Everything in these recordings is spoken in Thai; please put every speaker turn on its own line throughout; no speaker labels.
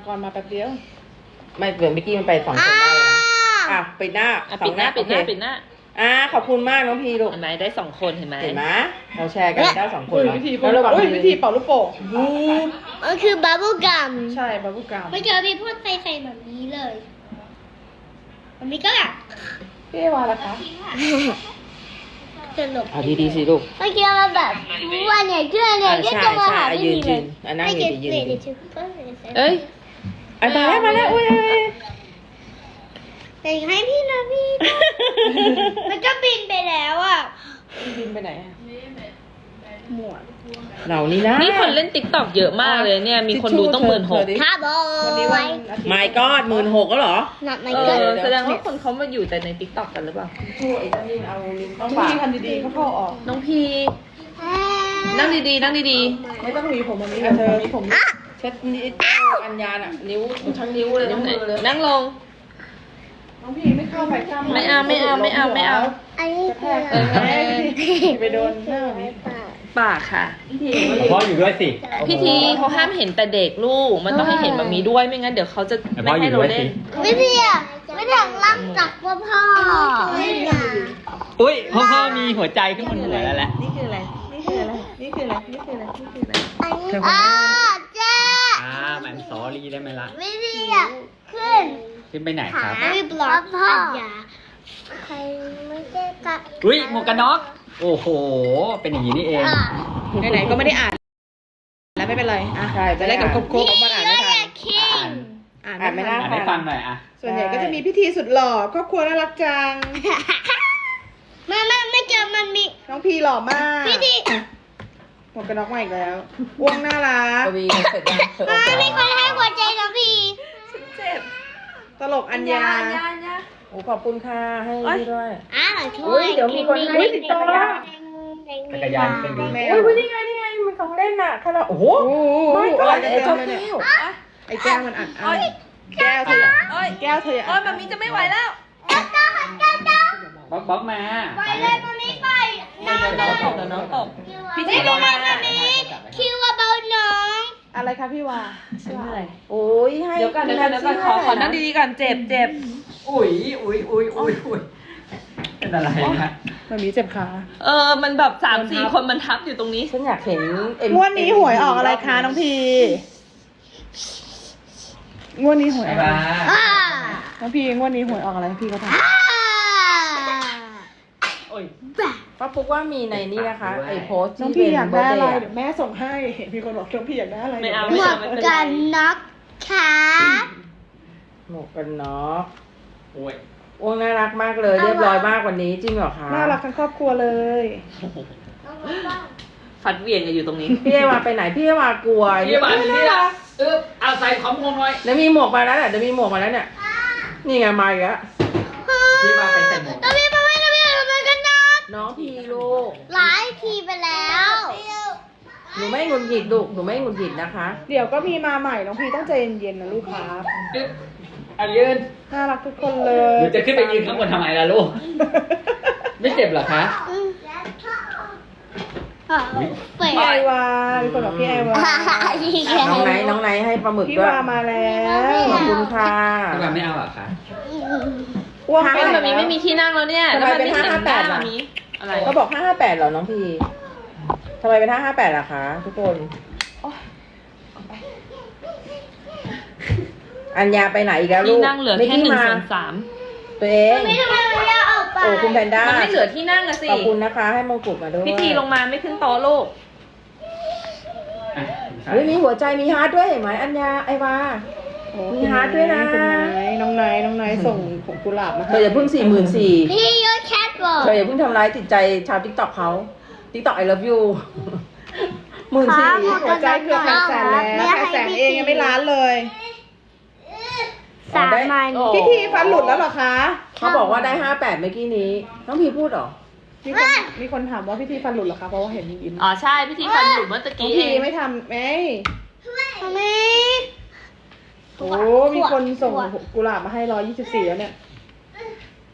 ก่อนมาแป๊บเดียว
ไม่เมื่อกี้มันไป2 คนได้เลยนะอ่ะปิดหน้า
ปิดหน้าปิดหน้า
ขอบคุณมากน้องพีลูก
เห็นไหมได้2 คนเห็นไหม
เราแชร์กันได้2 คน
วิธีวิธีเป่าลูกโป่ง
มันคือบับเบิ้ลกัม
ใช่บับเบิ้ลกัม
ไม่เจอพี่พูดใส่แบบนี้เลยมันมีก็แบบ
พี่วาล่ะคะ
สนุก
เอาดีๆสิลูก
เมื่อกี้มันแบบวันเนี่ยเชื่อเนี่ยก็จะมาหาไม่มีเลย
นั่งยืนยืน
เอ้ย
มาแล้วอุ้ย
แต่ให้พี่นะพี่มันก็บินไปแล้วอ่ะ
บินไปไหนหมวด
เรานี่นะ
นี่คนเล่น TikTok เยอะมากเลยเนี่ยมีคนดูต้อง16,000
ค่ะบอ
วันนี้วัน
ไม่ก็16,000ก็เหรอ
หนักไหม
เอ
เกิน
อแสดงว่าคนเขามาอยู่แต่ใน TikTok กันหรือเปล่า
ช่วยนี่เอาลิ้น
ต้องพี่ทำดีๆเขาเข้าออก
น้องพีนั่งดีๆนั่งดี
ไม่ต้องมีผมวันนี้เธอมีผม
เช็ดนิ้วอัญญาน่ะนิ้วทั้งนิ้วเลยทั้งมือเลย
ๆนั่งลง
น้องพี่ไม่เข้าไปข้าม
ไม่เอา
อันนี้คือ
ไปโดนหน้านี้
ปากค่ะ
พ่ออยู่ด้วยสิ
พิธีเขาห้ามเห็นแต่เด็กลูกมันต้องให้เห็นแบบนี้ด้วยไม่งั้นเดี๋ยวเขาจะไม่ให้เราเล่น
ไม่พี่อ่ะไม่ถึงรักจากพ่อ
อุ้ยพ่อมีหัวใจขึ้นบนหัวแล้วแหละ
นี่คืออะไรนี่คืออะไรนี่คืออะไรนี่คืออะไรนี่คืออะไร
อันนี้เจ๊
แมนสอรี่ได้ไหมล่ะ
ไม่พี่อ่ะขึ้น
ขึ้นไปไหนครับ
ไม่บล็อกพ่อใครไม่ได้กะ
อุ้ยหมวกกันน็อกโอ้โห เป็นอย่างนี้นี่เอง
ไหนๆก็ไม่ได้อ่านแล้วไม่เป็นไรอ่ะ
ใช่
จะได้กับครบ
มันอ่านไม่ทัน
คิง
อ่านไม่ได้
อ่านให้ฟังหน่อยอ่ะ
ส่วนใหญ่ก็จะมีพิธีสุดหล่อครอบครัวน่ารักจัง
ไม่เจอมันมี
น้องพีหล่อมาก
พิธี
หมวกกันน็อกมาอีกแล้วอ้วงน่ารัก
กวีเสร็จยังเสร็จ
มีคนให้หัวใจนะพี่
ตลกอัญญา
โอ้ขอบคุณค่ะให้พี่ด้วย
ช่วย
เดี๋ยวมีคนให้ติดต่อ
จักรยานเป็นดู
แม
โอ้
วย
นี่ไงมันของเล่นน่ะขนาดโอ้โห
โอ้โห
ไม่ก็
อะไร
ไอ้
เต็
เจ้าม
เลยเนี่ย
แก้ว
ไอ้แก้วมันอัดอั้นแก้วเธอแก้วเธอ
โอ้ยมามีจะไม่ไหวแล้ว
บล็อกมา
ไปเลยมันไม่ไปน้อง
น้องตกเดี๋ยวน้องตกพิธีลงมา
คิวว่าเบาน้อง
อะไรคะพี่วา
โอ้ยให้
เดี๋ยวก่อนขอนั่งดีๆก่อนเจ็บ
อุ้ยเป็นอะไรนะ
มันมีเจ็บขา
มันแบบ3-4 คนมันทับอยู่ตรงนี้
ฉันอยากเห็น
งวดนี้หวยออกอะไรคะน้องพีงวดนี้หวยออกอะไรน้องพีงวดนี้หวยออกอะไรพี่ก็ทำ
โอ้ย
ป้าปุ๊กว่ามีในนี้นะคะไอ้โพสต์
น้อง
ที่
พี่
เป็น
อยาก
เบอ
ได้
ร์
อะไร
เดย์
เดี๋ยวแม่ส่งให้เห็นมีคนบอกน้องพี่อยากได้อะไร
ไม่เอา
หมวกกันน็อกขา
หมวกกันน็อก
โอ้ย
โอ้น่ารักมากเลยเรียบร้อยมากวันนี้จริงเหรอคะ
น่ารักทั้งครอบครัวเลย
ฟัดเวียนกันอยู่ตรงนี้
พี่เอวาไปไหนพี่เอวากลัว
พี่บานนี่ละเอาใส่ของงงหน่อย
เดี๋ยวมีหมวกมาแล้วเดี๋ยวมีหมวกมาแล้วเนี่ยนี่ไงมาอีกแล้ว
พี่บานไปใส่หมวก
แล้วพี่มาไม่แล้วพี่ทำไมกันน็อก
น้องพีลูก
หลายทีไปแล้ว
หนูไม่หงุดหงิดลูกหนูไม่หงุดหงิดนะคะ
เดี๋ยวก็มีมาใหม่น้องพีต้องใจเย็นๆนะลูกครับ
ยืน
น่ารักทุกคนเล
ห
ย
นูจะขึ้นไปยืนข้างบนทำไมล่ะลูก ไม่เจ็บเหรอคะ
เปิด
พี่ไอวามีคนบอกพี่ไอวา
น้องไนท์ให้ปลาหมึก
พี่
ด้วย
วามาแล้ว
ขอบคุณค่ะ
พี่บานไม่เอาเหรอคะ
อ้วง
ห้า
ไป
เป็น
ไหน
แบบนี้ไม่มีที่นั่งแล้วเนี่ย
ทำไม
แล้วมัน
เป็น
ไม่เห็นหน้า
558
แบบนี้อะไร
เขาบอก558เหรอน้องพีทำไมเป็น558ล่ะคะทุกคนอัญญาไปไหนอีกแล้วลู
ที่
ก
นั่งเหลือแค่
กี้มา
1/3
ตัวเอง
ไม่ทำไมไม่ได้ออกไป
โอ้คุณแพนด้า
มันไม่เหลือที่นั่งอะสิ
ขอบคุณนะคะ ให้มงกุฎมาด้วย
พิธีลงมาไม่ขึ้นโต๊ะลูก
เฮ้ยมีหัวใจมีฮาร์ดด้วยเห็นไหมอัญญาไอวา
โอ้
มีฮาร์ทด้วยนะ
คุณไนท์น้องไนท์ส่งผงกุหลาบมา
เธออย่าเพิ่ง44,000
พี่ยศแคทบอก
เธออย่าเพิ่งทำร้ายจิตใจชาวทิกตอกเขาทิกตอก I love you 14,000
หัวใจเกือบ800,000แล้ว800,000เองยังไม่ล้านเลย
3,000
พิธีฟันหลุดแล้วเหรอคะ
เขาบอกว่าได้58เมื่อกี้นี้น้องพีพูดเหรอ
มีคนถามว่าพิธีฟันหลุดเหรอคะเพราะว่าเห็นยิ้ม
อ๋อใช่พิธีฟันหลุดเมื่อตะ
น้อง
กี้เอ
พี
ง
ไม่ทำไหม
ทำไม
โอ้มีคนส่งกุหลาบมาให้124แล้วเนี่ย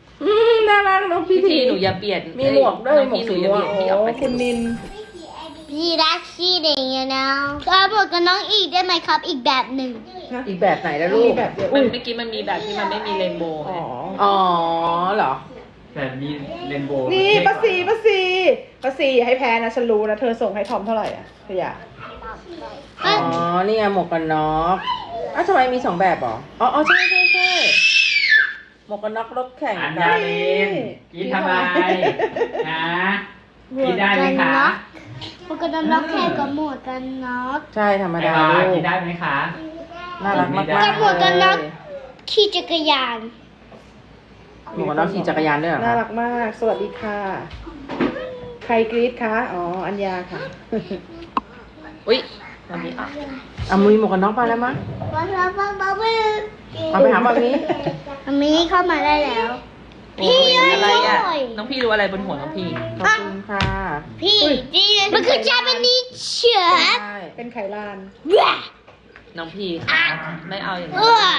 น่ารักน้อง
พิ
พิ
ธี
ธี
หนูอย่าเปลี่ยน
มีหมวกด้วย
น้อง
หมวก
พี่ห
สี
นูอย่า
ม่ว
เป
ง
ลี่ยนที่ออกไป
คุณนิน
พี่รักชีเด็กนะก็บอกกับน้องอีกได้ไหมครับอีกแบบหนึ่ง
อีกแบบไหนนะลู
มี
ก
แบบเดียว
มั
อุ้
น
ย
เมื่อกี้มันมีแบบที่มันไม่มีเรนโบว์
อ๋อ
อ๋อเหรอ
แต่มีเรนโบว์
นี่ป้าซีให้แพ้นะฉันรู้นะเธอส่งให้ทอมเท่าไหร่อ่ะเธออยาก
อ๋อ นี่ไงหมวกกันน็อกอ้าวทำไมมี2แบบเหรอ อ๋อใช่หมวกกันน็อกรถแข่ง
อัน
กั
ดาน ลินกินทำไมนะกินได้ไหมคะ
หมวกกันน็อกแค่กับหมวกกันน็อก
ใช่ธรรม
ไอ
ดาว
า
ลู
กิ
ก
นได้ไหมคะ
น่ารักมาก
กับ
ๆ
หมวกกันน็อก
เลย
ขี่จักรยาน
หมวกกันน็อกขี่จักรยานด้วยเหรอ
น่า
คะ
รักมาก สวัสดีค่ะ ใครกรี๊ดคะ อ๋อ อัญญาค่ะ
อุ้ยมันมีอ่ะ
เอามือหมวกกันน็อกมาแล้วมั้ง
ว้าวว้าวว้าว
เอาไปหาแบบนี้
อันนี้เข้ามาได้แล้ว
โอ้ยอะไรอ่ะ น้องพี่รู้อะไรบนหัวน้องพี่
ขอบคุณค่ะ
พี่มันคือ Japanese เชือก
ใช่
เป็นไขลาน
น้องพี่ค่ะไม่เอาอย่างนี้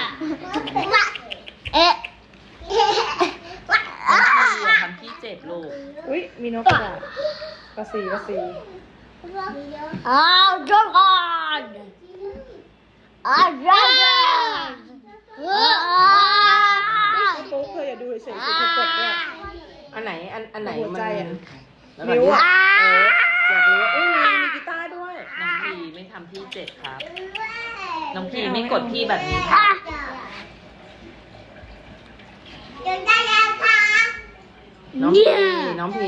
เอ๊ะ
อย่าทำพี่เจ็บลูก
อุ้ยมีนกกระดาษป้าซี
อ้าวดราก้อนอ้าวดราก้อน
ปุ๊บเธออย่าดูเฉยๆสิเธอกดด้วย
อันไหน อันไหน
หัว
มัน
ใจอะ
แล้ว
นิ้วอะ
อยากรู้ว่ามีกีตาร์ด้วย
น้องพี่ไม่ทำพี่เจ็บครับ น้องพี่ไม่กดพี่แบบนี้ค่ะ
น้องพีน้องพี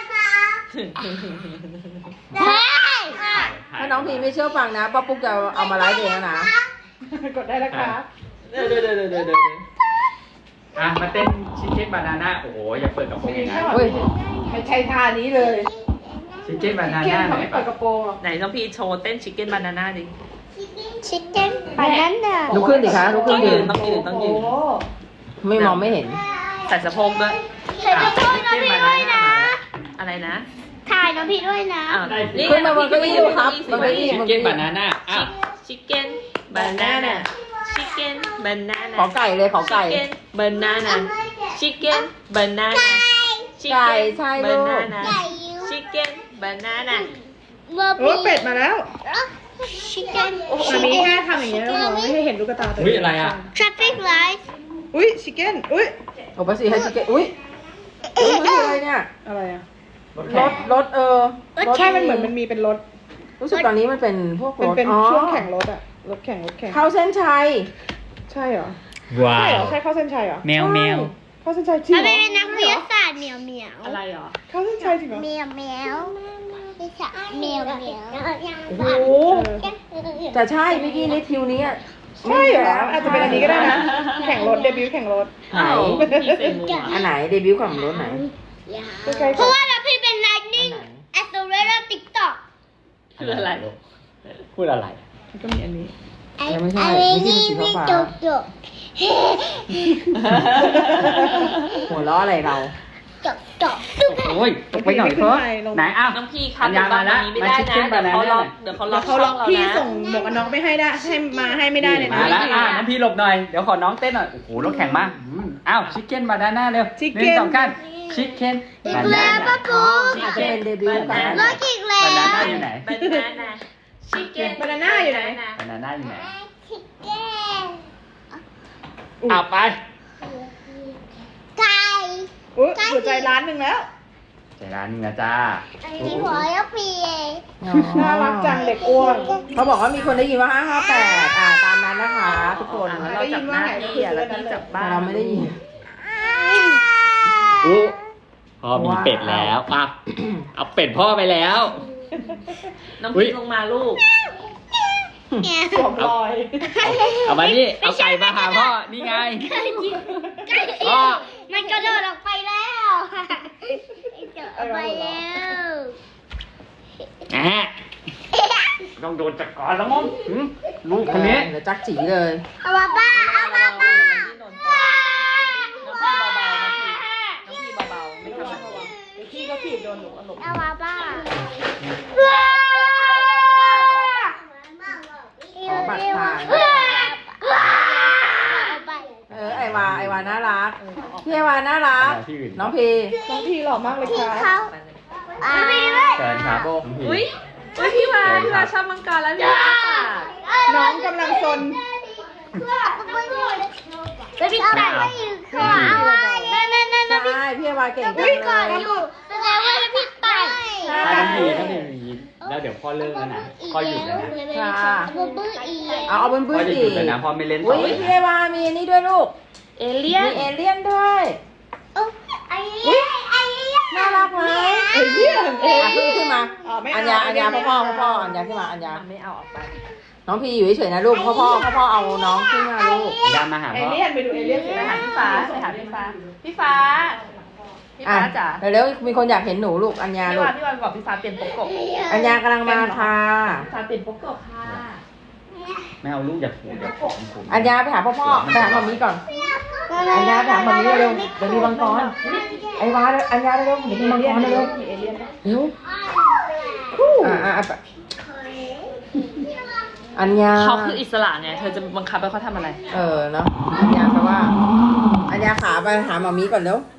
ถ้าน้องพีไม่เชื่อฟังนะป้าปุ๊กจะเอามาไลฟ์เองแล้วนะ
กดได้แล้วครับ
เดี๋ยวอ่ะมาเต้นชิคเก้นบานาน่าโอ้โหอย่าเปิดกระโปรงอย่างนั้น
เฮ้ย
ไม่ใช่ท่านี้เลย
ชิคเก้นบานา
เที่ย
น่าง
เขา
ไหน
ไม่เปิดกระโปรงหรอก
ไหนน้องพี่โชว์เต้นชิคเก้นบานาน่าดิ
ชิคเก้นบานาน่า
ลุกขึ้นดิคะลุกขึ้นยืน
ต้องยืนต้องยืน
โอ้โห
ไม่มองไม่เห็น
ใส่สะโพกด้วย
ถ่ายน้องพี่ด้วยนะ
อะไรนะ
ถ่ายน้องพี่ด้วยนะ
อ้าว
ขึ้นมาบนเก้าอี้ดูครับบนเก้าอี้
ชิคเก้นบานาน่าอ่ะ
ชิคเก้นบานาน่าชิคเก้นบานาน่า
ขอไก่เลยขอไก่
Chicken banana Chicken banana
ไก่ใช่ลูก
banana Chicken banana
โอ้เป็ดมาแล้ว
ชิคเก้น
อันนี้แค่ทำอย่างเงี้ยแล้วมองไม่ให้เห็นลูกตาตัว
อุ้ยอะไรอ่ะ
traffic light
อุ้ยชิคเก้นอุ้ย
โอ้ป้าสีให้ชิคเก้นอุ้ยมันคืออะไรเนี่ย
อะไรอ่ะ
รถ
ร
แข่ง
ถรถ
ใช่มันเหมือนมันมีเป็นรถ
รู้สึกตอนนี้มันเป็นพวกร
มัน
ถ
เป็น
อ๋อ
ช่วงแข่งรถอะรถแข่ง
เข้าเส้นชัย
ใช่เหรอ
ว้า
ใช่เหร
ว
อ ใช่เข้าเส้นชัยเหรอ
แมวแมว
เข้าเส้นชัยจริง
มัน
เหรอ
เป็นนักวิทยาศาสตร์เหมียวเหมียว
อะไรหรอ
เข้าเส้นชัยจริงเหรอ
เหมียวเหมียวไม่ใช่เหมียวเหมียว
โอ้โหแต่ใช่เมื่อกี้ในทิวนี้อะ
ใช่เหรออาจจะเป็นอันนี้ก็ได้นะ แข่งรถเดบิวต์แข่งรถ
ไหน
พี่เซมูอ่ะ
อันไหนเดบิวต์ของรถไหน
ใกล้ๆ
เพ
กั
ราะ
น
ว่าเราพี่เป็น lightning accelerator TikTok
คืออะไร
พูดอะไร
มันก็มีอันนี้
ยังไม่ใช่ไม่ใช่สีฟ้า
จบจบ
หัวล้ออะไรเรา
จบจบ
โอ้ยตกไปหน่อยเพิ่มไหนอ้าว
น้องพี่ครับ
อัญญามาแล้ว
ไม่ได้
มา Chicken
นะ เดี๋ยวเขา
banana
ล็อกเดี๋ยวเขาล็
แล้
อ
ว
ก
เขา
ช่
ล็
อ
อง ก
เรา
พี่
นะ
ส่งหมวกกันน็อกไม่ให้ได้ให้ไม่ได้เลยนะ
มาแล้วน้องพี่หลบหน่อยเดี๋ยวขอน้องเต้นหน่อยโอ้โหรถแข่งมาอ้าวชิคเก้นบานาน่าเร็ว
Chicken
หนึ่งสองกันชิคเก้น
อี
บาก นา
แล้ว
น่า
ป้าปู
อาจจะเป็นเดบิวต์กัน
รถอีกแล้
บาว นาน่าอยู่ไหน
banana Chicken
บานาน่าอยู่ไหน
บานาน่าอยู่ไหน
ชิคเก้น
เอาไป
ไก่
อุ้ยหัวใจล้านหนึ่งแล้ว
ใจร้านนึงนะจ้า
มีหัวยกปี
น่ารักจังเด็กอ้วน
เขาบอกว่ามีคนได้ยินว่า558ตามนั้นนะคะทุกคน
เราจับหน้าที่อ่ะแล้วพี่จับบ้า
แต่
น
เราไม่ได้ยิน
อู้พ่อมีเป็ดแล้วอ่ะเอาเป็ดพ่อไปแล้ว
น้อง
อุ๊ย
พี่ลงมาลูก
สวมรอย
เอามานี่เอาไก่มาหาพ่อนี่ไง
ไก่
พ่อ
มันกระโดดออกไปแล้วกระโดดออกไปแล้ว
แอะต้องโดนจัดการแล้วมั้งลูกคนนี้
เดี๋ยวจักจีเลย
เอามาบ้าเอามาบ้า
น้องพี่เบาๆไม่ทำแบบนี้
เดี๋ยวพี่ก็ถีบโดนหนูอารมณ์
เอามาบ้า
ขอบัตรผ่าน ไอวาน่ารักพี่ไอวาน่ารัก น้องพี
น้องพี่หล่อมากเลยค่ะ
เขา
เชิญครับ
อุ้ยพี่วาชอบมังกรแล้วพี่วา
น้องกำลังซน
แล้วพี่ไก่ก็อยู่ขวานั่น
ใช่พี่วาเก่งจัง
พี่ไก่
เลย
อยู่แสดงว่าพี่ไก่
ถ้าน้องพีแล้วเดี๋ยวพ่อเลิกแล้วนะพ่อหยุดแล้วนะ
ค่ะ
บูบูอี
เอาเป็น
พ่
บื้
อ
อ
จะ
สิ
หยุดแล้วนะพ่อไม่เล่นต่
อุ้
อย แล้ว
พี่
นะ
วามีนี่ด้วยลูก
เอเลี่ย
มี
น
เอเลี่ยนด้วย
ไอ้
น่ารักไหม
เอเลี่ยนเอ
อ่ะ
เลี่ยน
ขึ้นมา
ไม่
อั
เ
ญญาพ่ออัญญาขึ้นมาอัญญา
ไม่เอาออกไป
น้องพีอยู่เฉยๆนะลูกพ่อเอาน้องขึ้นมาลูก
ย่ามาหา
เอ
พ่อ
เลี่ยนไปดูเอเลี่ยนสิ
ไปหาพี่ฟ้าพี่ฟ้า
อ่ะ
จ๋า
เดี๋ยวมีคนอยากเห็นหนูลูกอัญญา
พี่
ลูก
วาบอกพี่ฟ้าเปลี่ยนโปกโกะ
อัญญากำลังมาค่ะ
พี่ฟ้าเปลี่ยนโปกโกะค่ะ
ไม่เอาลูกอย่าผูกอย่าผูกผม
อัญญาไปหาพ่อไปหามามีก่อนอัญญาไปหามามีเร็วเดี๋ยวมีมังกรไอ้วาอัญญาเร็วเดี๋ยวมีมังกรเร็ว
มีเอเลี่ยน
เร็วอัญญา
เขาคืออิสระไงเธอจะบังคับให้เขาทำอะไร
เนาะอัญญาแปลว่าอัญญาขาไปหามามีก่อนเร็ว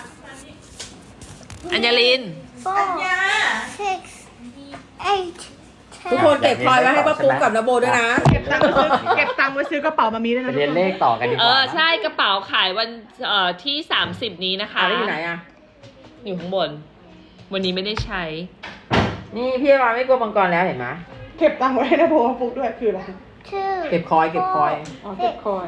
อัญญาลิน
6 8
ทุกคนเก็บพลอยไว้ให้ป้าปุ๊กกับนาโบด้วยนะ
เก็บตังค์ไว้ซื้อกระเป๋ามามีด้วย
ไป
นะ
เรียนเลขต่อกันดีกว่านะ
ใช่กระเป๋าขายวันที่30นี้นะคะ
แล้วอยู่ไหนอ่ะ
อยู่ข้างบน วันนี้ไม่ได้ใช้
นี่พี่วาไม่กลัวมังกรแล้วเห็นไหม
เก็บตังค์ไว้นะโบฟุกด้วยคืออะไร
เก็บคอย
อ๋อเก็บคอย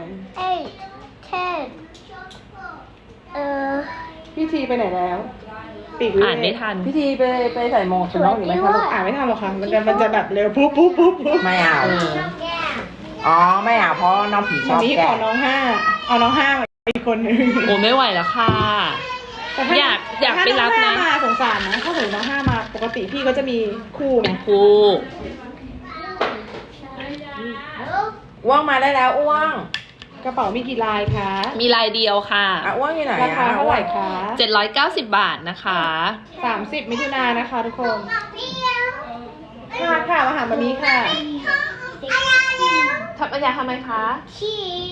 10
พี่ทีไปไหนแล้วปีก
อ่านไม่ทัน
พี่ทีไปใส่โมงชุดน้องหรือไม่คะลูก
อ่านไม่ทันหรอกค่ะมันจะแบบเร็วปุ๊บ
ไม่เอา อ๋อไม่เอาเพราะน้องผีช
มา
อบ
มีข
แกะ
อน้องห้าเอาน้องห้ามาอีกคนนึง
โอ้ไม่ไหวแล้วค่ะ
แต่ถ้
อยากไปรับนะ
ถ้าน้องห้ามาสงสารนะถ้าสมมติน้องห้ามาปกติพี่ก็จะมีคู่ไง
เป็นครู
อ้วงมาได้แล้วอ้วง
กระเป๋ามีกี่ลายคะ
มีลายเดียวค่ะ
อ้วงอยู่ไหน
ราคาเท่าไหร่คะ
790 บาทนะคะ
30 มิถุนายนนะคะทุกคนค่ะมาหามามีค่ะ
ทำอัญญาทำไมคะ
ขี้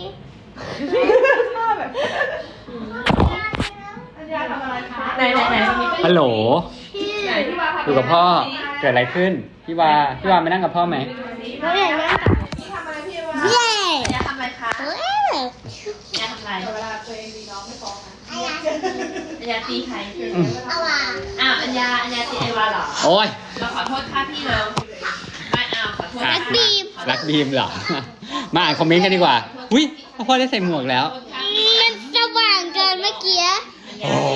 แบบอัญญาทำอะไรคะ
ไหนมันมี
ฮัลโหล
ไหนพี่วา
อยู่กับพ่อเกิดอะไรขึ้นพี่วามานั่งกับพ่อไหม
เขาเรียกว่าเย้
อัญญาทำอะไรคะ
เฮ้ย
อัญญาทำอะไร
เวลาตัวเองมีน้องไม่ฟ้องนะ
อัญญาตีใคร
เอาว่ะ
อ้าวอัญญาตีไอวาเหรอ
โอ้ย
เราขอโทษค่ะพี่เราไม่เอาขอโทษ
รัก
บีม
รักบีมเหรอ มาอ่านคอมเมนต์กันดีกว่าอุ้ยพ่อได้ใส่หมวกแล้ว
มันสว่างเกินเมื่อกี้
โอ้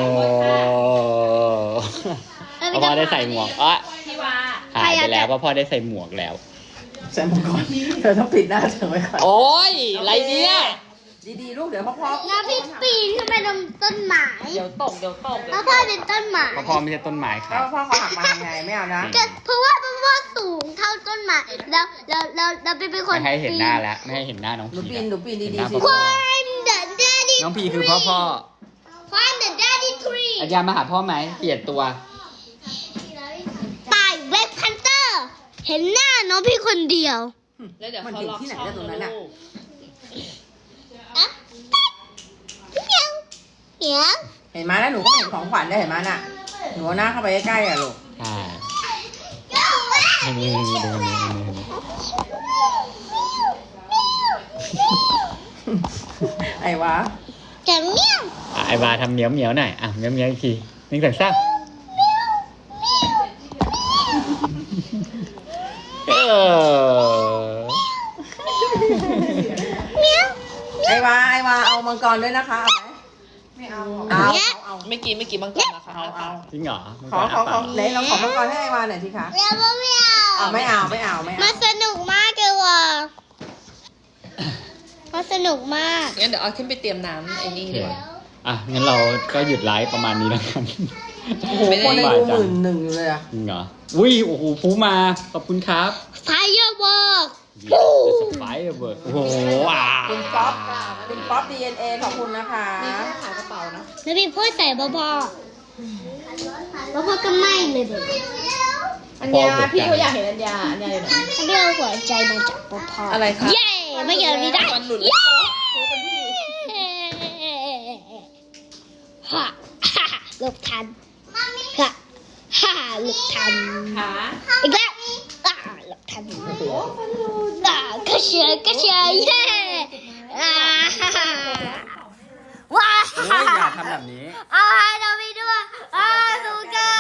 พ่อได้ใส่หมวกอ่ะ
พี่วา
หายไปแล้วเพราะพ่อได้ใส่หมวกแล้ว
ใส่มังกรเธอต้องปิดหน้าเธอไว้ก่อน
โอ้ยอะไรเนี่ย
ดีๆลูกเดี๋ยวพ่อ
แล้วพี่ปีนขึ้นไปตรงต้นไม้
เดี๋ยวตก
แล้วพ่อเป็นต้นไม้
เพราะพ่อไม่ใช่ต้นไม้ค
แล้
รั
ว
บ
พ่อเขาหักมาทำไงไม่เอานะ
ก็เพราะว่าสูงเท่าต้นไม้แล้วเป็นคน
ไม่ให้เห็นหน้าแล้วไม่ให้เห็นหน้าน้อง
หนู
พี
ปีนดี
เห็นหน้า
ๆสิ
พ่อ
ควายเดอะแดดดี้
น้องพีคือพ่อ
Find the daddy tree
อาจารย์มาหาพ่อไหมเปลี่ยนตัว
ตายเว็บพันเตอร์ เห็นหน้าน้องพี่คนเดียว
แล้วเดี๋ยว
มัน
เขา
ถึง
ล็อก
ที่ไหน
ช่อง
ได้ตรงนั้น
แล้
อ่ะ
ว
อะเมียวเมียว
เห็นไหมแล้วหนูก็ไม่เห็นของขวัญได้เห็นไหมน่ะหนูเอาหน้าเข้าไปใกล้ๆอ่ะลูก
ใช่นี่ดูนี่
ไอ้วะ
จะเมียว
ไอ้บาทำเหมียวเหมียวหน่อยอ่ะเหมียวเหมียวอีกทีหนึ่งสองสามเออ
เมียว
ไอ้วาเอามังกรด้วยนะคะเอาไหมไม่เอาเอา
เมื่อกี้มังกรนะคะ
จริงเหรอ
ขอไหนเราขอมังกรให้ไอ้วาหน่อยสิคะ
แล้วก็ไม่เอา
ไม่เอา
มันสนุกมากเลยว่ะมันสนุกมาก
งั้นเดี๋ยวเอาขึ้นไปเตรียมน้ำไอ้นี่
โอเค
ดีกว่า
อ่ะงั้นเราก็หยุดไลฟ์ประมาณนี้แล้วกัน
โอ้โหคนในดู11,000อยู่เลยอะ
จริงเหรออุ้ยโอ้โหฟูมาขอบคุณครับ
Firework
ไฟเบิร์ดโอ้โหอ่า
คุณป๊อป DNA ขอบคุณนะคะ
ขากระเป๋านะ
แล้วพี่พูดใส่พ่อพ่อก็ไม่เลยเด็ก
อัญญาพี่เขาอยากเห็นอัญญาอยู่ไหน
พี่เอาหัวใจมาจากพ่อพ่อ
อะไรคะ
เย้ไม่เยอะนี้ได้
วันหลุด
เย้ฮ่าฮ่าหลบทันฮ่าฮ่าหลบทัน
ขา
อีกแล้วกระเชียเย้ว้า
โอ้ยอย่าทำแบบนี้
เราไปด้วยสุกัน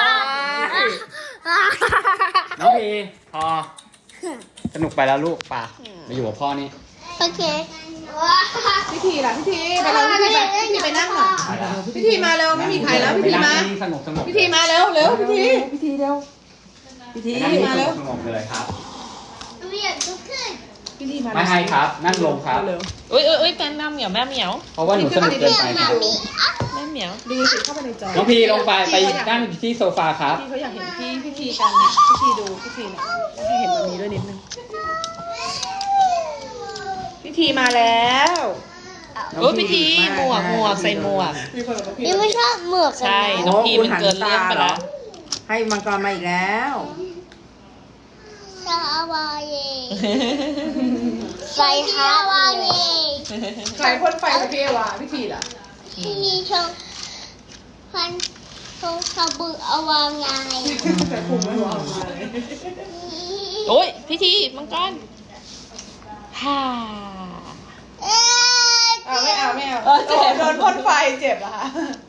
น้องพีพอสนุกไปแล้วลูกป่ะมาอยู่กับพ่อนี่
โอเค
พิธีล่ะพิธีไปแล้วพิธีไปพิธีไปนั่งหน่อยพิธีมาเร็วไม่มีใครแล้วพิธีมา
สนุกสนุก
พิธีมาเร็วเร็วพิธี
พิธีเร็วพิธี
นั่งนี่
มา
ส
แล้
นุ
ว
กสนุกเลยครับ
พิธีมา
ไม่ให้ครับ นั่งลงครับ
เร็ว
อุ้ยแม่เหมียวแม่เหมียว
เพราะว่าหนูสนุกเกินไปครับ
แม่เหมียว
ดีสิเข้าไปในจอ
น้องพีลงไปนั่งที่โซฟาครับ
พี่เขาอยากเห็นพี่พิธีกันเนี่ยพิธีดูพิธีเนี่ยให้เห็นแบบนี้ด้วยนิดนึงพิธีมาแล้ว
โอ้ยพิธีหมวกใส่หมวก
มีคนบอกว่าพี่
นี่ไม่ชอบหมวกกัน
ใช่ น้องพีมันเกินเรื่องไปแล้ว
ให้มังกรมาอีกแล้ว
ชาวาเย่ใส่ฮาวาเย่
ใครพ่นไฟกับพี่เอวาพิธีล่ะ
ที่ชงพันชงชาบึอวางไง
แต่คุมไม่รู้เอามาเลย
โอ้ยพิธีมังกรฮ่า
ไม่เอาโดนพ่นไฟเจ็บเหรอคะ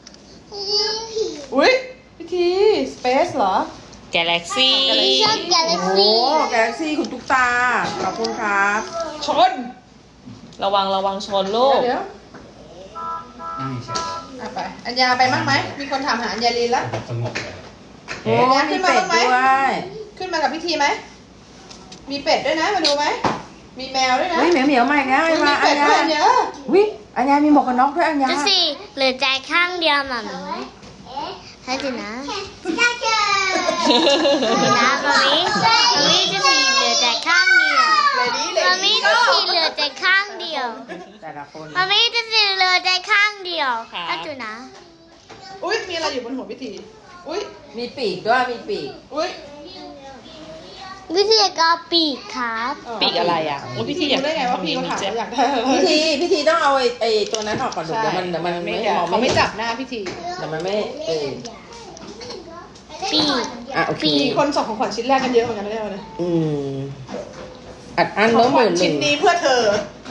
อุ้ยพิธีสเปซเหรอ
แกลเล็กซี่
ชอบกาแล็ก
โอ้
ซี่
แกลเล็กซี่คุณตุ๊กตา ขอบคุณครับ
ชน
ระวังชนลูก
เดี๋ยว
นั่งเฉย
ไปอัญญาไปมั้งไหมมีคนถามหาอัญญาลีนแล้ว
สงบเลย
โอ้มีเป็ดด้วย
ขึ้นมากับพิธีไหมมีเป็ดด้วยนะมาดูไหมมีแมวด้วยนะ
เฮ้ยเหมียวมาอีกแล้วไอ้
มี
มาอั
เป็
ญ
ด
ญา
ด้วยเยอะ
วิอัญญามีหมวกกันน็อกด้วยอัญญา
ดูสิเหลือใจข้างเดียวหม่ำให้ดูนะดูนะมามิจะสีเหลือใจข้างเดียว
เลยดีเลย
มามิจะสีเหลือใจข้างเดียว
แต่ละคน
มามิจะสีเหลือใจข้างเดียว
ครับ
ให้ดูนะ
อุ้ยมีอะไรอยู่บนหัวพิธีอุ้ย
มีปีกด้วยมีปีก
อุ้ย
วิธีการปีกครับ
ปีกอะไรอ่ะโอ้ยพิธีอยาก
รู้ได้ไงว่าพี่เขาถามว่าอยากได้อะไร
พิธีต้องเอาไอ้ตัวนั้นออกก่อนเดี๋ยวมันไม่มอง
เขาไม่จับหน้าพิธี
เดี๋ยวมันไม่
ปีก
อ่ะโอเค
มีคนส่งของขวัญชิ้นแรกกันเยอะเหมือนกันนะเนี่ยวันนี้
อัดอัน
ข
เนื้
อ
อง ห
ขวั
มื่
ญ
น
ชิ้นนี้เพื่อเธอ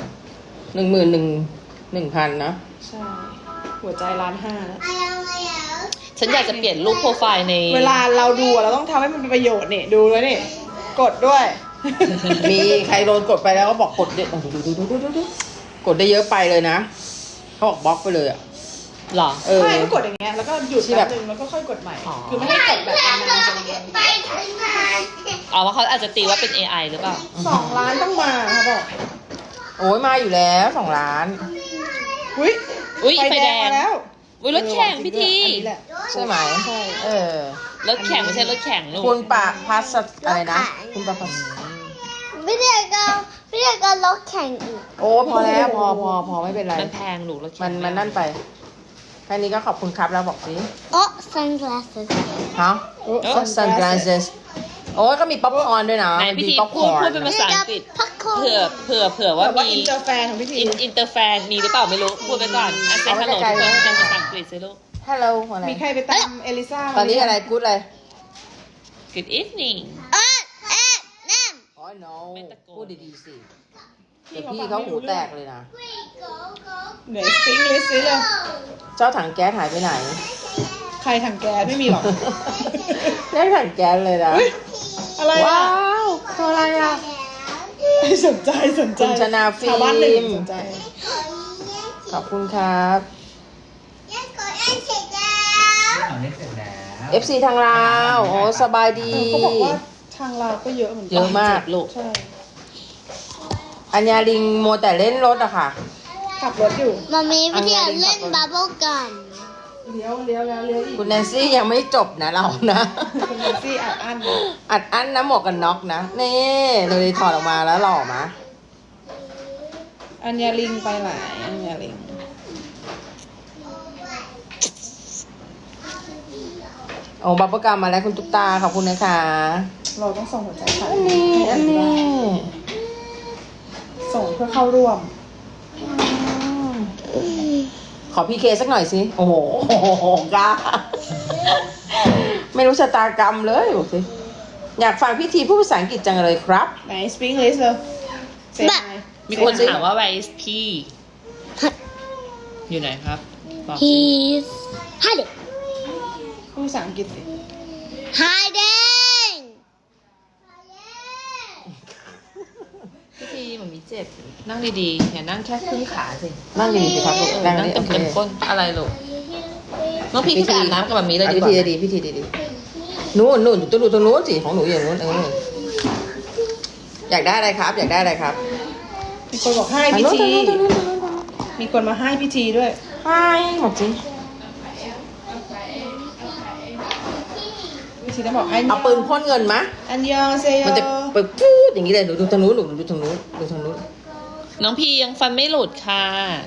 11,000นะ
ใช่ หัวใจ1.5 ล้านนะ
ฉันอยากจะเปลี่ยนรูปโปรไฟล์ใน
เวลาเราดูอะเราต้องทำให้มันเป็นประโยชน์นี่ดูแล้วนี่กดด้วย
มีใครโดนกดไปแล้วก็บอกกดเยอะดูกดได้เยอะไปเลยนะเขาบอกบล็อกไปเลยอ่ะ
หรอ
ไม่ก็กดอย่างเงี้ยแล้วก็หยุดแป๊บนึงแล้วก็ค่อยกดใหม่
อ๋อ
คือไม่ให้กดแบบนานๆจนเย็น
เอาว่าเขาอาจจะตีว่าเป็น AI หรือเปล่า
2 ล้านต้องมาเขาบอก
โอ้ยมาอยู่แล้ว2 ล้าน
อุ้ย
อุ้ยไฟแดง
มาแล้ว
อุ้ยรถแข่งพิธี
อันนี้แหละ
ใช่ไหม
ใช่
เออ
รถแข่งไม่ใช่รถแข่งลูก
คุณปะพัสอะไรนะ คุณปะพัส
วิธีการล็อกแข่งอีก
โอ้พอแล้วพอไม่เป็นไร
มันแพงลูกรถแข่ง
มันนั่นไปแค่นี้ก็ขอบคุณครับแล้วบอกสิ
โอ้ sunglasses
ฮะ sunglasses โอ้ยก็มีป๊อปคอร์นด้วยนะ
ไหนพิธี
มีป๊อปค
พู
อ
ด
ร์น
พูดเป็นภาษาอังกฤษ
พักโค
เผื่อว่า
แต่ว่า
มี
อินเตอร์แฟนของพิธี
อินเตอร์แฟนมีหรือเปล่าไม่รู้ พูดไปก่อนอ่ะเซ็นฮัลโหลทุกคนเป็นภาษาอังกฤษสิลูก
Hello อะไร
มีใครไปตามเอลิซ่า
ตอนนี้อะไรกู๊ดอะไร
Good evening
นั่น
อ๋อ no
ไม่ตะโกน
พูดดีๆสิเดี๋ยวพี่เขาหูแตกเลยนะ
เหนื่อยสติ้งลิสต์เลย
เจ้าถังแก๊สหายไปไหน
ใครถังแก๊สไม่มีหรอก
ได้ถังแก๊สเลยนะ
เฮ้ยอะไร
ว้า
อ่ะ
วตัวอะไรอ่ะ
สนใจ
คุณชนาฟิล์ม
ชาวบ้านหนึ่งสนใจ
ขอบคุณครับ
เอาได้เสร็จแล้ว
FC ทางลาวโอ้สบายดี
เขาบอกว่าทางเราก็เยอะเหมือนกั
เยอะมาก
ลูก
ใช่
อัญญาลิงโมวแต่เล่นรถอะค่ะ
ขับรถอยู่
มามีวิธีการเล่นบับเบิ้ลกัม
เลี้ยวแล้วเลี้ยวอีก
คุณแนนซี่ยังไม่จบนะเรานะ
คุณแนนซี่อัดอั้น
อัดอั้นนะหมวกกันน็อกนะนี่เลยถอดออกมาแล้วหล่อมะ
อัญญาลิงไปหลายอัญญาลิง
โอ้บับเบิ้ลกัมมาแล้วคุณตุ๊กตาขอบคุณนะคะ
เราต้องส่งหัวใจค่ะ
อันนี้
ส่งเพื่อเข้าร่วม
ขอพี่เคสักหน่อยสิ โอ้โหกล้าไม่รู้ชะตากรรมเลยบอกสิอยากฟังพี่ทีพูดภาษาอังกฤษจังเลยครับ
ไหน speak English เลย Say hi
มีคนถามว่า where is พี่ อยู่ไหนครับบอกสิ
He's hiding.
พูดภาษาอังกฤษสิ
Hiding.
พี่ทีมันมีเจ็บ นั่งดีๆ อย่านั่งแค่ครึ่งขาสิ
นั่งดีๆสิครับลูกนั่ง
นั่ง
ดี
เต็
โอ
ม
เค
เต็มก้นอะไรลูกน้องพี่ขึ้นไปอาบน้ำกับแบบนี้เลย
อ่ะ
ดี
พี่
กว่า
ทีดีพี่ทีดีนู่นอยู่ตรงนู้นสิของหนูอย่างนู้นอยากได้อะไรครับ อยากได้อะไรครับ
มีคนบอกให้พี่ที มีคนมาให้พี่ทีด้วย
ไปหมดจริง
พี่ทีต้องบอกอันย
เอาปืนพ่นเงินมะ
อันยองเซโย
มันจะไปพูดอย่างนี้เลยหนูดูทางนู้นหนูดูทางนู้นดูทางนู้น
น้องพี่ยังฟันไม่หลุดค่ะ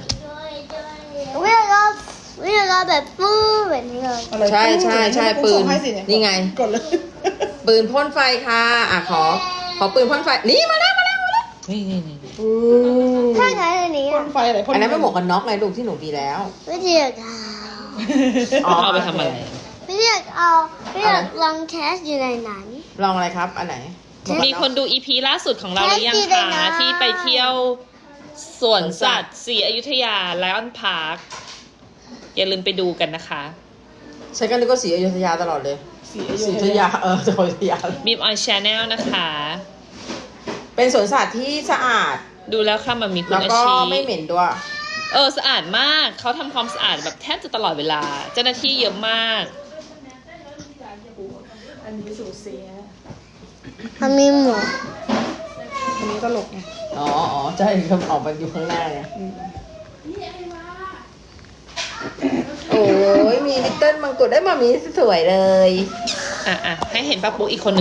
We areแบบฟูแบบนี้เลย
เอาเลย
ใช่ปืน
ส่งให้สิเย
นี่ไง
กดเลย
ปืนพ่นไฟค่ะขอปืนพ่นไฟนี่มาแล้ว
นี่
ถ้าใช้อันนี้
พ่นไฟอะไรพ่น
อันนั้นไม่หมวกกันน็อกไงลูกที่หนูมีแล้ว
ไม่ได้อยากเอา
อ๋อ
เอาไปทำอะไร
ไม่ได้อยากเอาไม่อยากลองแคสอยู่ในนั้น
ลองอะไรครับ อันไหน
มีคนดู EP ล่าสุดของเราหรือยัง
แฮปปี้เลย
คะ
นะ
ที่ไปเที่ยวสวนสัตว์ศรีอยุธยาไลออนพาร์คอย่าลืมไปดูกันนะคะ
ใช้กันนึกว่าสีอยุธยาตลอดเลย
สี
สีอยุธยาสีอยุธยา
บีมออนชาแนลนะคะ
เป็นสวนสัตว์ที่สะอาด
ดูแล้วค่ะมันมีคุ
แล้
ณ
ว
อา
ก็
ชี
ไม่เหม็นด้วย
สะอาดมากเขาทำความสะอาดแบบแทบจะตลอดเวลา เจ้าหน้าที่เยอะมาก
อันนี้สูตรเสีย
มันมีหมวก
อันนี้ตลกไง
อ๋อใช่ครับออกไปอยู่ข้างหน้าไงโอ้ยมีลิตเติ้ลมังกรได้มามีสวยเลย
อ่ะให้เห็นป้าปุ๊กอีกคนหนึ่ง